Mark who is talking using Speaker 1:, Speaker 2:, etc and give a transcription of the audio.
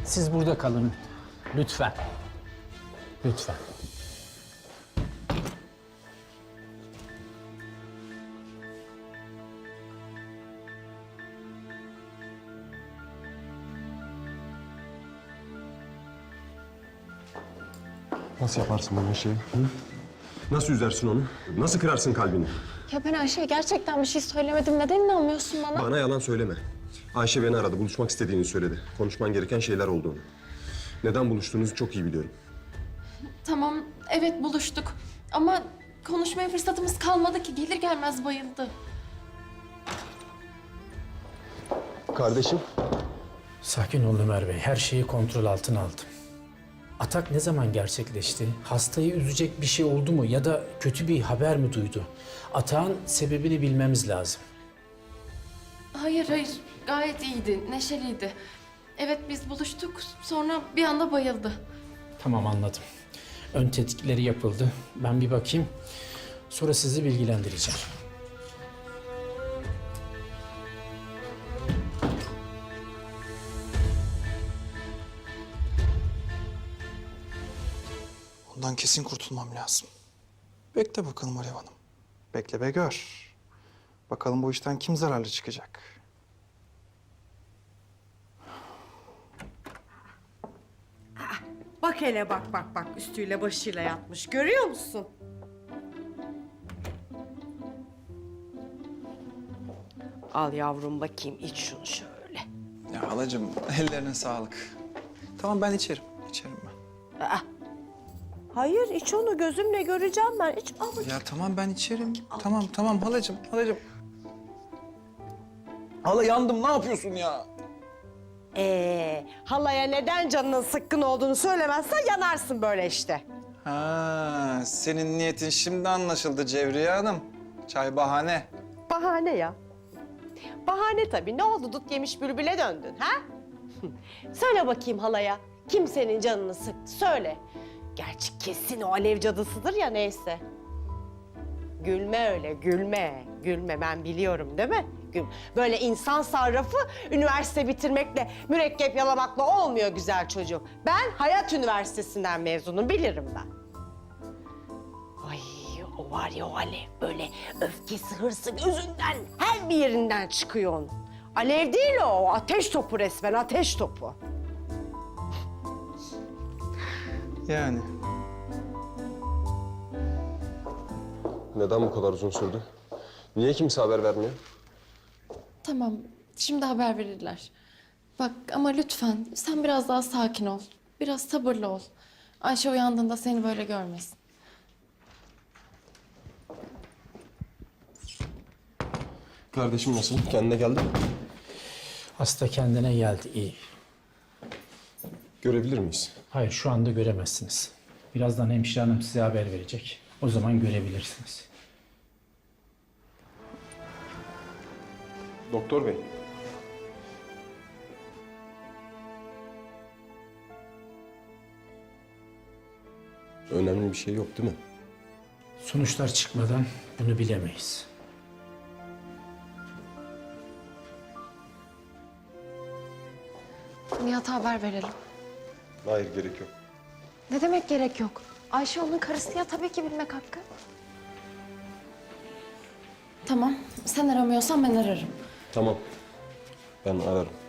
Speaker 1: Siz burada kalın. Lütfen. Lütfen.
Speaker 2: Nasıl yaparsın böyle şeyi? Hı? Nasıl üzersin onu? Nasıl kırarsın kalbini?
Speaker 3: Ya ben Ayşe'ye gerçekten bir şey söylemedim. Neden inanmıyorsun bana?
Speaker 2: Bana yalan söyleme. Ayşe beni aradı, buluşmak istediğini söyledi. Konuşman gereken şeyler olduğunu. Neden buluştuğunuzu çok iyi biliyorum.
Speaker 3: Tamam, evet buluştuk. Ama konuşmaya fırsatımız kalmadı ki. Gelir gelmez bayıldı.
Speaker 2: Kardeşim?
Speaker 1: Sakin ol Ömer Bey. Her şeyi kontrol altına aldım. Atak ne zaman gerçekleşti? Hastayı üzecek bir şey oldu mu ya da kötü bir haber mi duydu? Atağın sebebini bilmemiz lazım.
Speaker 3: Hayır. Gayet iyiydi, neşeliydi. Evet biz buluştuk. Sonra bir anda bayıldı.
Speaker 1: Tamam, anladım. Ön tetkikleri yapıldı. Ben bir bakayım. Sonra sizi bilgilendireceğim.
Speaker 4: Ondan kesin kurtulmam lazım. Bekle bakalım Alev Hanım. Bekle ve gör. Bakalım bu işten kim zararlı çıkacak?
Speaker 5: Bak hele bak üstüyle başıyla yatmış görüyor musun? Al yavrum bakayım iç şunu şöyle.
Speaker 4: Ya halacığım ellerine sağlık. Tamam ben içerim ben.
Speaker 5: Hayır iç onu gözümle göreceğim ben iç al bakayım.
Speaker 4: Ya tamam ben içerim. Tamam halacığım. Hala yandım ne yapıyorsun ya?
Speaker 5: Halaya neden canının sıkkın olduğunu söylemezsen yanarsın böyle işte.
Speaker 4: Ha, senin niyetin şimdi anlaşıldı Cevriye Hanım. Çay bahane.
Speaker 5: Bahane ya. Bahane tabii. Ne oldu dut yemiş bülbüle döndün ha? Söyle bakayım halaya. Kim senin canını sıktı söyle. Gerçi kesin o alev cadısıdır ya neyse. Gülme öyle gülme. Gülme ben biliyorum değil mi? Böyle insan sarrafı üniversite bitirmekle, mürekkep yalamakla olmuyor güzel çocuğum. Ben Hayat Üniversitesi'nden mezunum bilirim ben. Ay o var ya o alev böyle öfkesi, hırsı gözünden her bir yerinden çıkıyor onun. Alev değil o ateş topu resmen ateş topu.
Speaker 4: Yani.
Speaker 2: Neden bu kadar uzun sürdü? Niye kimse haber vermiyor?
Speaker 3: Tamam, şimdi haber verirler. Bak ama lütfen sen biraz daha sakin ol. Biraz sabırlı ol. Ayşe uyandığında seni böyle görmesin.
Speaker 2: Kardeşim nasıl? Kendine geldi mi?
Speaker 1: Hasta kendine geldi, iyi.
Speaker 2: Görebilir miyiz?
Speaker 1: Hayır, şu anda göremezsiniz. Birazdan hemşire hanım size haber verecek. O zaman görebilirsiniz.
Speaker 2: Doktor bey. Önemli bir şey yok değil mi?
Speaker 1: Sonuçlar çıkmadan bunu bilemeyiz.
Speaker 3: Nihat'a haber verelim.
Speaker 2: Hayır, gerek yok.
Speaker 3: Ne demek gerek yok? Ayşe onun karısı ya tabii ki bilmek hakkı. Tamam, sen aramıyorsan ben ararım.
Speaker 2: Tamam. Ben ararım.